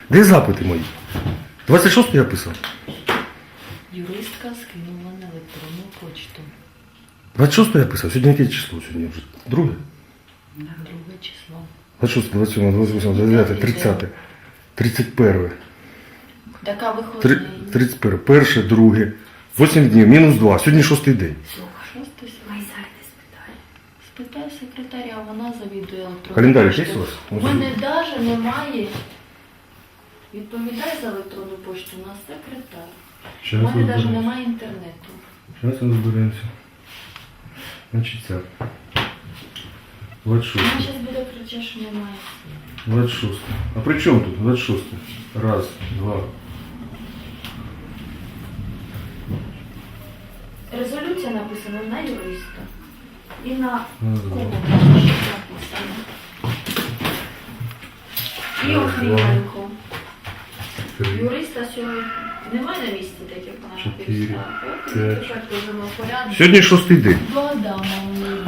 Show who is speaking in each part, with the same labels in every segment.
Speaker 1: Де запити мої? 26 я писав.
Speaker 2: Юристка скинула на електронну почту.
Speaker 1: 26 я писав. Сьогодні яке число? Сьогодні вже друге?
Speaker 2: Друге число.
Speaker 1: 26, 27, 28, 29, 30, 31,
Speaker 2: Така виходить.
Speaker 1: 31, перше, друге, 8 днів, мінус 2. Сьогодні 6-й день.
Speaker 2: Шостий спитай секретаря, вона завідує електронною
Speaker 1: Календар
Speaker 2: поштою.
Speaker 1: є у вас?
Speaker 2: У мене навіть немає. Відповідає за електронну пошту у нас секретар. У мене навіть немає інтернету.
Speaker 1: Зараз розберемося. Значить так. 26.
Speaker 2: Вона зараз буде кричати, що немає.
Speaker 1: 26. А при чому тут 26? Раз, два.
Speaker 2: Резолюція написана на юриста. І на кого написано. І Охріменко. Юриста сьогодні немає на місці, так як вона
Speaker 1: 4,
Speaker 2: написала. От,
Speaker 1: 5.
Speaker 2: тепер кажемо порядок.
Speaker 1: Сьогодні 6-й день.
Speaker 2: Два дама у неї.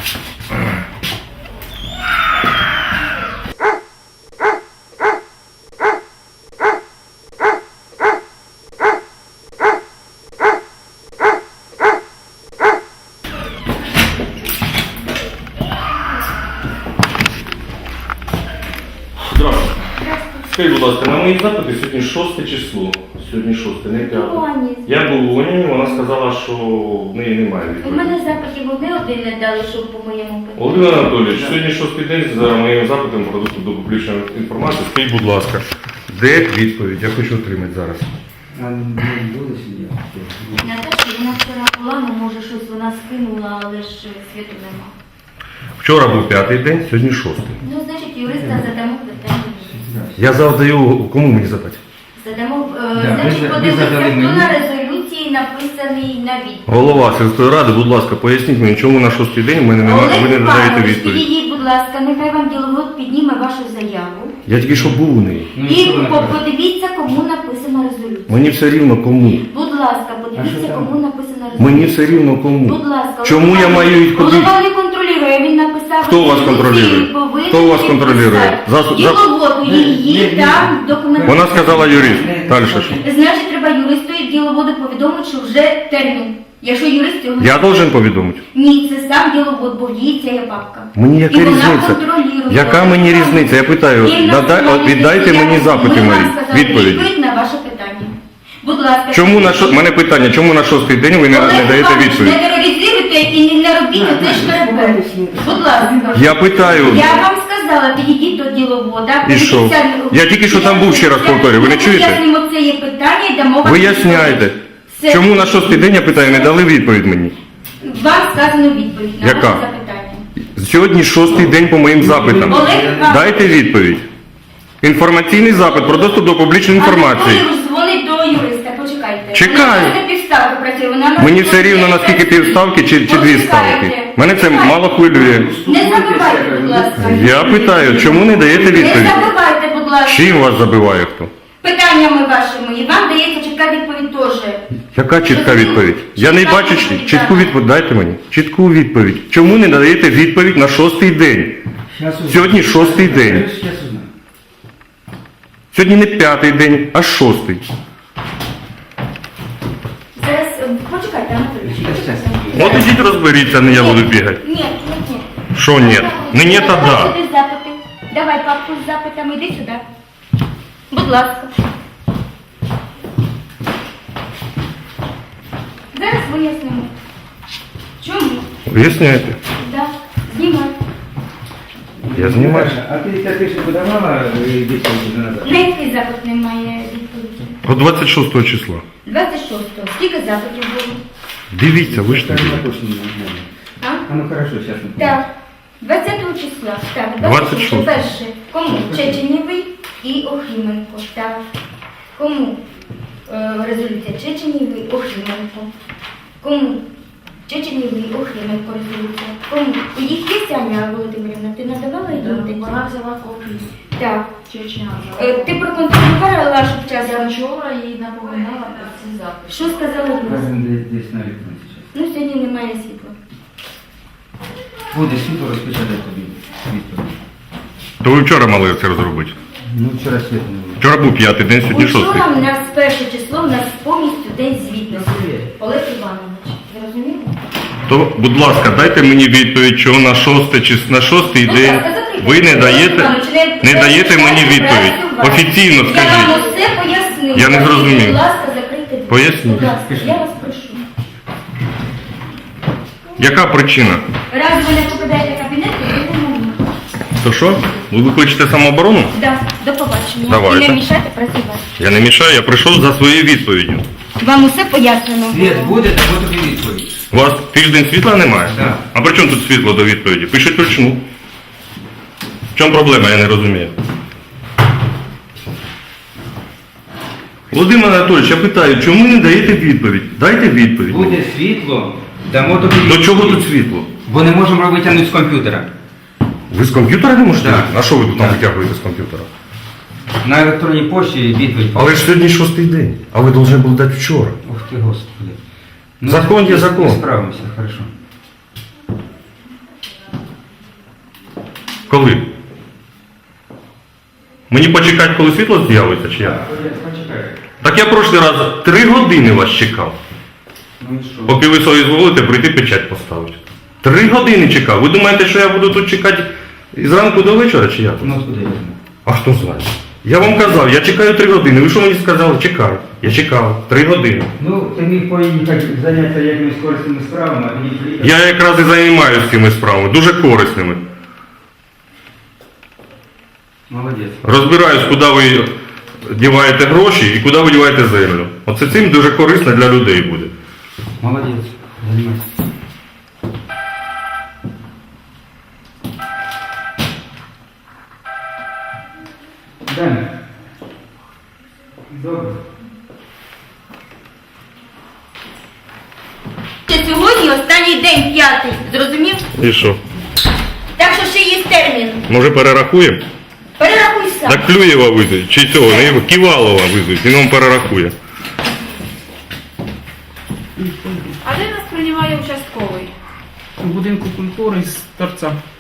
Speaker 1: Здравствуйте. Скажіть, будь ласка, на мої запити сьогодні 6 число. Сьогодні 6, не 5. Я був у ній, вона сказала, що в неї немає
Speaker 3: У
Speaker 1: відповіді.
Speaker 3: мене запитів один не дали, щоб по моєму питанню.
Speaker 1: Володимир Анатолійович, сьогодні 6-й день за моїм запитом про доступ до публічної інформації. Скажіть, будь ласка, де відповідь? Я хочу отримати зараз.
Speaker 3: Наташа, вона вчора була, ну може щось вона скинула, але ж світу нема.
Speaker 1: Вчора був 5-й день, сьогодні 6-й.
Speaker 3: Ну, значить, юриста задамо питання.
Speaker 1: Я завдаю, кому мені задати?
Speaker 3: Задамо,
Speaker 4: Да,
Speaker 3: значить,
Speaker 4: ви
Speaker 3: подивіться,
Speaker 4: задали
Speaker 3: хто
Speaker 4: мені.
Speaker 3: на резолюції написаний на відповідь.
Speaker 1: Голова сільської ради, будь ласка, поясніть мені, чому на 6-й день ви не надаєте
Speaker 3: Іванович,
Speaker 1: відповідь.
Speaker 3: підійдіть, будь ласка, нехай вам діловод підніме вашу заяву.
Speaker 1: Я тільки що був у неї.
Speaker 3: І подивіться, кому написана резолюція.
Speaker 1: Мені все рівно кому.
Speaker 3: Будь ласка,
Speaker 4: А
Speaker 3: подивіться,
Speaker 4: що там?
Speaker 3: кому написана резолюція.
Speaker 1: Мені все рівно кому.
Speaker 3: Будь ласка.
Speaker 1: Чому я маю їх куди?
Speaker 3: Голова не контролює, він написав.
Speaker 1: Хто вас контролює?
Speaker 3: резолюцію, повинен
Speaker 1: Хто вас контролює?
Speaker 3: підписати. Діловоду її там документ.
Speaker 1: Вона сказала юрист. Далі що?
Speaker 3: Значить, треба юристу і діловоду повідомити, що вже термін. Якщо юрист його...
Speaker 1: Я должен повідомити?
Speaker 3: Ні, це сам діловод, бо в її ця є папка.
Speaker 1: Мені яка
Speaker 3: І вона
Speaker 1: різниця?
Speaker 3: контролює.
Speaker 1: Яка мені різниця? Я питаю,
Speaker 3: І на основі
Speaker 1: віддайте
Speaker 3: цього
Speaker 1: мені запити
Speaker 3: ми
Speaker 1: мої,
Speaker 3: вам сказали
Speaker 1: відповіді.
Speaker 3: відповідь на ваше питання. Будь ласка.
Speaker 1: Чому на мене питання, чому на 6-й день ви не
Speaker 3: Олег
Speaker 1: даєте
Speaker 3: Іванович,
Speaker 1: відповідь?
Speaker 3: не тероризуйте і не робіть оце шкарбе. Будь ласка.
Speaker 1: Я питаю,
Speaker 3: Я вам сказала, підійдіть до діловода.
Speaker 1: І що?
Speaker 3: подивіться,
Speaker 1: Я тільки що там був, ще раз повторюю, ви не чуєте?
Speaker 3: Вияснимо це є питання і дамо вам
Speaker 1: виясняйте,
Speaker 3: Все.
Speaker 1: чому на 6-й день, я питаю, не дали відповідь мені?
Speaker 3: Вам сказано відповідь на
Speaker 1: Яка?
Speaker 3: ваше запитання.
Speaker 1: Сьогодні 6-й день по моїм запитам.
Speaker 3: Олег Іванович.
Speaker 1: Дайте відповідь. Інформаційний запит про доступ до публічної інформації.
Speaker 3: Анатолій дзвонить до юриста, почекайте.
Speaker 1: Чекаю.
Speaker 3: Вона на півставки працює, вона на
Speaker 1: Мені все рівно, наскільки півставки чи дві ставки. Мене це мало хвилює.
Speaker 3: Не забивайте, будь ласка.
Speaker 1: Я питаю, чому не даєте
Speaker 3: Не
Speaker 1: відповідь?
Speaker 3: забивайте, будь ласка.
Speaker 1: Чим вас забиває хто?
Speaker 3: Питаннями вашими. І вам дається чітка відповідь теж.
Speaker 1: Яка чітка відповідь? Я не бачу чітку відповідь. Дайте мені чітку відповідь. Чому не даєте відповідь на 6-й день? Сьогодні 6-й день. Сьогодні не 5-й день, а 6-й.
Speaker 3: Зараз, почекайте, Анатолій.
Speaker 1: От ідіть розберіться, не я буду бігати.
Speaker 3: Ні, ні.
Speaker 1: Що ні? Не ні, то
Speaker 3: Давай
Speaker 1: да.
Speaker 3: сюди запити. Давай папку з запитами, іди сюди. Будь ласка. Зараз вияснимо. Чому?
Speaker 1: Виясняйте.
Speaker 3: Да. Знімай.
Speaker 1: Я знімаю.
Speaker 4: А ти ще подавала відповідь назад?
Speaker 3: На який запит немає відповіді?
Speaker 1: От 26 числа.
Speaker 3: 26-го. Скільки запитів було?
Speaker 1: Дивіться, ви ж не
Speaker 4: Так,
Speaker 1: бігайте.
Speaker 4: точно не знаю.
Speaker 3: А?
Speaker 4: А ну хорошо, сейчас мы
Speaker 3: Так. 20 числа. Так,
Speaker 1: 26.
Speaker 3: Перше. Кому? Чеченєвий і Охріменко. Так. Кому? Резолюція Чеченєвий, Охріменко. Кому? Чеченєвий, Охріменко резолюція. Кому? У їх є Аня Володимирівна? Ти надавала їм?
Speaker 2: Вона взяла копію.
Speaker 3: Так.
Speaker 2: Чечня.
Speaker 3: Ти проконтролювала, щоб час.
Speaker 2: Я вчора їй напоминала про ці запити.
Speaker 3: Що сказала Люся?
Speaker 4: Разом десь на вікно сейчас.
Speaker 3: Ну, сьогодні немає світла.
Speaker 4: Буде світло розпечатати тобі відповідь.
Speaker 1: То ви вчора мали це розробити.
Speaker 4: Ну, вчора світу не було.
Speaker 1: Вчора був 5-й день, сьогодні 6-й.
Speaker 3: Учора у нас перше число, у нас повністю день звітності. Олег Іванович, ви розумієте?
Speaker 1: То, будь ласка, дайте мені відповідь, чого на 6-й
Speaker 3: Будь
Speaker 1: день
Speaker 3: ласка, закрийте.
Speaker 1: ви не
Speaker 3: Олег
Speaker 1: даєте,
Speaker 3: Іванович,
Speaker 1: не даєте мені
Speaker 3: працювати.
Speaker 1: відповідь. Офіційно
Speaker 3: Я вам
Speaker 1: скажіть.
Speaker 3: усе пояснила.
Speaker 1: Я не зрозумів.
Speaker 3: Будь ласка, закрийте двері.
Speaker 1: Поясніть.
Speaker 3: Будь ласка, я вас прошу.
Speaker 1: Яка причина?
Speaker 3: Раз ви не покидаєте кабінет, то ви не можна.
Speaker 1: То що? Ви викличете самооборону?
Speaker 3: Да, до побачення.
Speaker 1: Давайте.
Speaker 3: І не мішайте працювати.
Speaker 1: Я не мішаю, я прийшов за своєю відповіддю.
Speaker 3: Вам усе пояснено.
Speaker 4: Світ буде, то тобі відповідь.
Speaker 1: У вас тиждень світла немає?
Speaker 4: Так.
Speaker 1: А при чому тут світло до відповіді? Пишіть вручну. В чому проблема, я не розумію. Володимир Анатолійович, я питаю, чому не даєте відповідь? Дайте відповідь.
Speaker 4: Буде світло, дамо тобі
Speaker 1: До
Speaker 4: відповідь.
Speaker 1: чого тут світло?
Speaker 4: Бо не можемо витягнути з комп'ютера.
Speaker 1: Ви з комп'ютера не можете?
Speaker 4: Так.
Speaker 1: витягнути? А що ви тут там
Speaker 4: Так.
Speaker 1: витягуєте з комп'ютера?
Speaker 4: На електронній пошті відповідь.
Speaker 1: Але ж сьогодні 6-й день, а ви повинні були дати вчора.
Speaker 4: Ух ти, Господи.
Speaker 1: Закон є закон.
Speaker 4: Ми справимося, хорошо.
Speaker 1: Коли? Мені почекати, коли світло з'явиться, чи як?
Speaker 4: Почекай.
Speaker 1: Так я прошлий раз 3 години вас чекав.
Speaker 4: Ну і що?
Speaker 1: Поки ви соізволите прийти печать поставити. 3 години чекав. Ви думаєте, що я буду тут чекати зранку до вечора, чи як?
Speaker 4: Ну откуда я знаю?
Speaker 1: А хто знає? Я вам казав, я чекаю 3 години. Ви що мені сказали? Чекай. Я чекав 3 години.
Speaker 4: Ну, ти міг поїхати зайнятися якимись корисними справами, а мені приїхати.
Speaker 1: Я якраз і займаюся цими справами, дуже корисними.
Speaker 4: Молодець.
Speaker 1: Розбираюсь, куди ви діваєте гроші і куди ви діваєте землю. Оце цим дуже корисно для людей буде.
Speaker 4: Молодець. Займайся. Далі. Добре.
Speaker 3: Ще сьогодні останній день, 5-й, зрозумів?
Speaker 1: І що?
Speaker 3: Так що ще є термін.
Speaker 1: Може перерахуємо?
Speaker 3: Перерахуй сам.
Speaker 1: Так Клюєва визвуть, чи цього, не його, Ківалова визвуть, він вам перерахує.
Speaker 2: А де нас приймає участковий?
Speaker 5: У будинку культури з торця.